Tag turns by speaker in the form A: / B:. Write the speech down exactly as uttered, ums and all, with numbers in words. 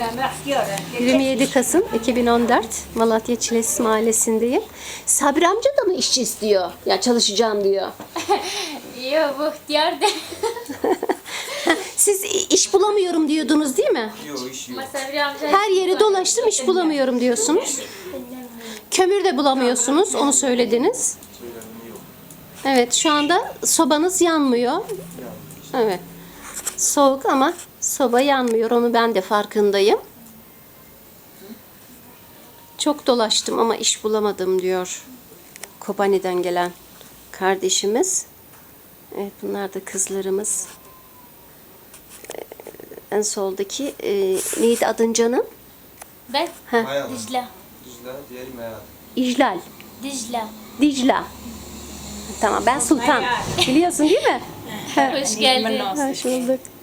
A: yirmi yedi Kasım iki bin on dört Malatya Çilesiz Mahallesi'ndeyim. Sabri amca da mı işçi istiyor? Ya çalışacağım diyor.
B: Yok bu ihtiyar da.
A: Siz iş bulamıyorum diyordunuz değil mi?
C: Yok iş yok.
A: Her yeri dolaştım iş bulamıyorum diyorsunuz. Kömür de bulamıyorsunuz onu söylediniz.
C: Söylemem yok.
A: Evet şu anda sobanız yanmıyor. Evet. Soğuk ama soba yanmıyor. Onu ben de farkındayım. Çok dolaştım ama iş bulamadım diyor. Kobani'den gelen kardeşimiz. Evet bunlar da kızlarımız. Ee, En soldaki e, neydi adın canım?
B: Ben
A: Heh,
C: Mayalı.
B: Dicle.
C: Dicle, diğeri Mayalı.
A: İclal.
B: Dicle.
A: Dicla. Tamam ben Sultan. Biliyorsun değil mi?
B: Hoş geldin.
A: Hoş bulduk.